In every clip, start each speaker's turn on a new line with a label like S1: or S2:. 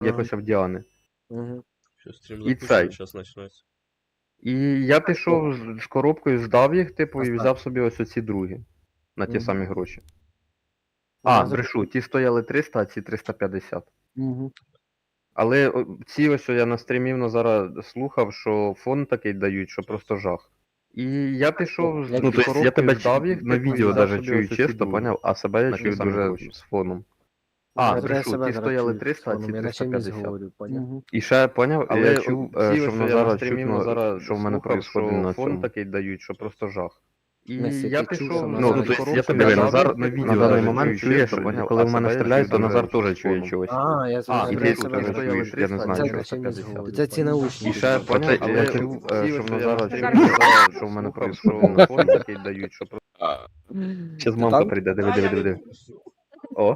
S1: якось в Діани.
S2: Угу.
S3: Що стрім
S1: І
S3: запущений,
S1: цей.
S3: зараз почнеться.
S1: І я пішов з коробкою, здав їх, типу, і
S2: Ага.
S1: взяв собі ось оці другі. На ті
S2: Мгм.
S1: самі гроші.
S2: Ну,
S1: А,
S2: я
S1: брешу, ті стояли 300, а ці 350.
S2: Угу.
S1: Але ці ось я на стрімі зараз слухав, що фон такий дають, що просто жах. І я пішов з
S2: Ну,
S1: ну, тобто я тебе
S2: здав їх,
S1: на
S2: типу, і
S1: відео
S2: взяв
S1: навіть
S2: собі
S1: чую
S2: ось оці
S1: чисто,
S2: другі.
S1: поняв, а себе я
S2: На ті
S1: чую
S2: самі
S1: дуже
S2: гроші.
S1: з фоном.
S2: Ну,
S1: А,
S2: я
S1: брешу,
S2: себе
S1: ті
S2: зараз
S1: стояли
S2: чую
S1: 300, а
S2: з
S1: ці
S2: фоном, я наче мізк
S1: 350.
S2: говорю, поняв?
S1: І ще поняв,
S2: Але
S1: я чув,
S2: ці
S1: що
S2: ось
S1: воно
S2: я на
S1: зараз
S2: стрімі
S1: чутно,
S2: зараз
S1: що в мене
S2: слухав,
S1: происходить на
S2: фон
S1: цьому. Такий дають, що просто жах. І
S2: Месі,
S1: я
S2: ти чув, що
S1: пішов,
S2: Назар
S1: ну,
S2: чує
S1: тобто я
S2: коробку,
S1: тебе
S2: я
S1: Назар
S2: дав
S1: на
S2: їх,
S1: відео
S2: на даний момент
S1: чуєш,
S2: чисто, поняв,
S1: коли
S2: а
S1: в мене
S2: себе я
S1: стріляють, то
S2: чую
S1: Назар
S2: дуже
S1: теж чує
S2: фоном.
S1: чогось.
S2: А, я
S1: А,
S2: зрозумів.
S1: і
S2: я
S1: ти
S2: себе
S1: теж
S2: зараз
S1: чуєш, я не знаю,
S2: Це
S1: чого.
S2: наче мізк
S1: 350.
S2: говорю, це ці наушники.
S1: І ще,
S2: типу.
S1: поняв,
S2: Але
S1: я
S2: ці
S1: чув,
S2: ось
S1: що в
S2: я
S1: Назара
S2: на
S1: чутно,
S2: стрімі
S1: що в мене
S2: слухав,
S1: происходить на фон такий дають, що просто... Щас
S2: Ти
S1: мамка
S2: там?
S1: прийде, диви. О.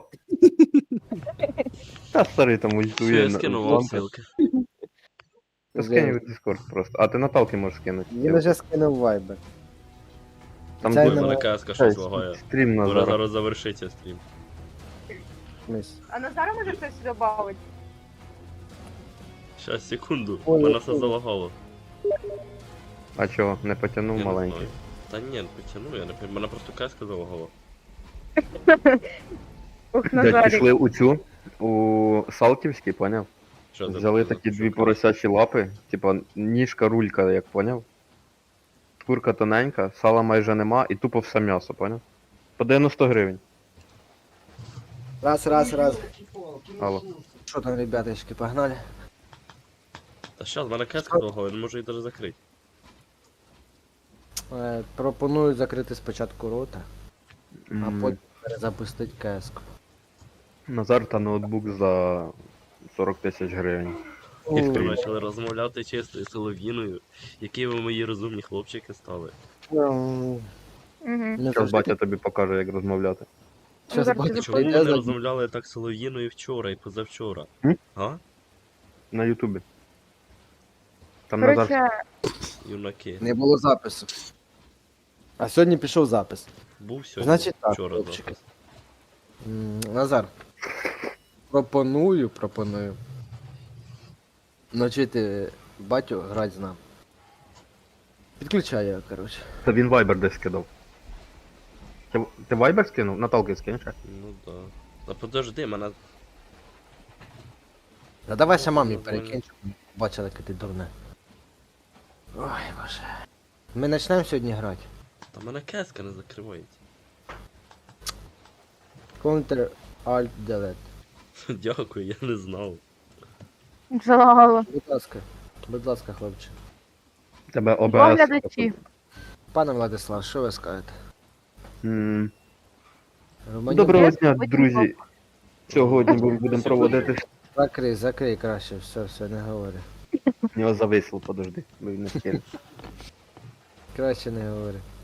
S1: Та старий там
S3: Що
S1: ультує.
S3: я скинув вам
S1: мамка.
S3: ссылки.
S1: Та скинь в Discord просто. А ти Наталки можеш скинути.
S2: Він уже скинув вайбер.
S1: Там
S2: Це
S1: буде
S2: не
S3: Мене каска щось лагає.
S1: стрім
S3: Пора
S1: Назара.
S3: зараз завершиться стрім.
S2: Міс.
S4: А Назара може хтось добавить?
S3: Щас, секунду.
S2: Ой,
S3: Мене
S2: ой,
S3: все
S2: ой.
S3: залагало.
S1: А чого, не потягнув
S3: Я не
S1: маленький?
S3: знаю. Та ні, потягну, я не пам'ятаю. Мене просто каска залагала.
S4: Ох,
S1: Дядь,
S4: Назарик.
S1: пішли у цю, у Салтівський, поняв?
S3: Що це
S1: Взяли
S3: таке?
S1: такі
S3: Що
S1: дві
S3: таке?
S1: поросячі лапи, типа ніжка, рулька, як поняв? Шкурка тоненька, сала майже нема і тупо все м'ясо, поняв? По 90 гривень.
S2: Раз.
S1: Алло.
S2: Що там, ребяточки, погнали?
S3: Та щас, мене каска залагала, я не можу її навіть закрити.
S2: Пропоную закрити спочатку рота, а
S1: М,
S2: потім перезапустити кеску.
S1: Назар та ноутбук за 40 тисяч гривень.
S3: Як ви
S1: Ой.
S3: почали розмовляти чистою солов'їною, які ви мої розумні хлопчики стали.
S4: Угу.
S1: Зараз батя тобі покаже, як розмовляти.
S2: Щас
S4: Зараз
S2: батя
S4: ти
S3: Чому ми
S2: прийде
S3: не
S2: за...
S3: розмовляли так солов'їною вчора і позавчора?
S1: М?
S3: А?
S1: На Ютубі. Там Назар.
S4: Короче,
S3: Юнаки.
S2: Не було запису. А сьогодні пішов запис.
S3: Був сьогодні,
S2: Значить так,
S3: вчора
S2: хлопчики.
S3: запис.
S2: Назар. Пропоную. Навчити батю грати з нами. Підключаю його, коротше.
S1: Та він Viber десь скидав. Ти Viber скинув? Наталки скинеш?
S3: Ну да. Та подожди, мене.
S2: Да давай ще мамі
S3: Нормально.
S2: перекинь, щоб бачила, яке ти дурне. Ой, боже. Ми почнемо сьогодні грати.
S3: Та мене кеска не закривається.
S2: Counter Alt Delete.
S3: Дякую, я не знав.
S4: залагало.
S2: Будь ласка, хлопче.
S1: Тебе ОБС.
S4: Оглядачі.
S2: Пане Владислав, що ви скажете?
S1: М,
S2: Романюк,
S1: Доброго
S4: Я
S1: дня,
S4: потім
S1: друзі. Сьогодні ми будемо проводити.
S2: Закрий краще, все, не говори.
S1: У нього зависло, подожди, бо він не скине.
S2: Краще не говори.